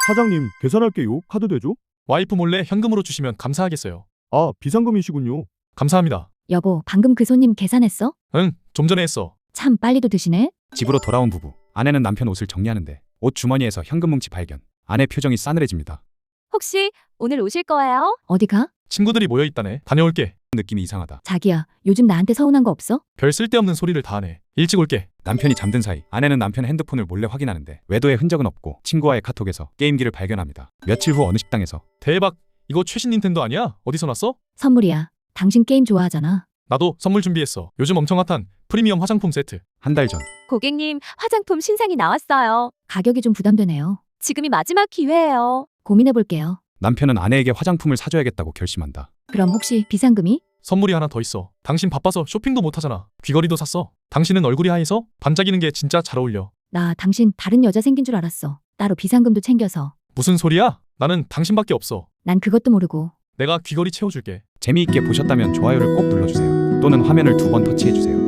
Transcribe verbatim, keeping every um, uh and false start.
사장님, 계산할게요. 카드 되죠? 와이프 몰래 현금으로 주시면 감사하겠어요. 아, 비상금이시군요. 감사합니다. 여보, 방금 그 손님 계산했어? 응, 좀 전에 했어. 참 빨리도 드시네? 집으로 돌아온 부부. 아내는 남편 옷을 정리하는데 옷 주머니에서 현금 뭉치 발견. 아내 표정이 싸늘해집니다. 혹시 오늘 오실 거예요? 어디 가? 친구들이 모여 있다네. 다녀올게. 느낌이 이상하다. 자기야, 요즘 나한테 서운한 거 없어? 별 쓸데없는 소리를 다 하네. 일찍 올게. 남편이 잠든 사이 아내는 남편의 핸드폰을 몰래 확인하는데 외도의 흔적은 없고 친구와의 카톡에서 게임기를 발견합니다. 며칠 후 어느 식당에서 대박. 이거 최신 닌텐도 아니야? 어디서 났어? 선물이야. 당신 게임 좋아하잖아. 나도 선물 준비했어. 요즘 엄청 핫한 프리미엄 화장품 세트. 한 달 전 고객님, 화장품 신상이 나왔어요. 가격이 좀 부담되네요. 지금이 마지막 기회예요. 고민해 볼게요. 남편은 아내에게 화장품을 사줘야겠다고 결심한다. 그럼 혹시 비상금이? 선물이 하나 더 있어. 당신 바빠서 쇼핑도 못 하잖아. 귀걸이도 샀어. 당신은 얼굴이 하얘서 반짝이는 게 진짜 잘 어울려. 나 당신 다른 여자 생긴 줄 알았어. 따로 비상금도 챙겨서. 무슨 소리야? 나는 당신밖에 없어. 난 그것도 모르고. 내가 귀걸이 채워줄게. 재미있게 보셨다면 좋아요를 꼭 눌러주세요. 또는 화면을 두 번 터치해주세요.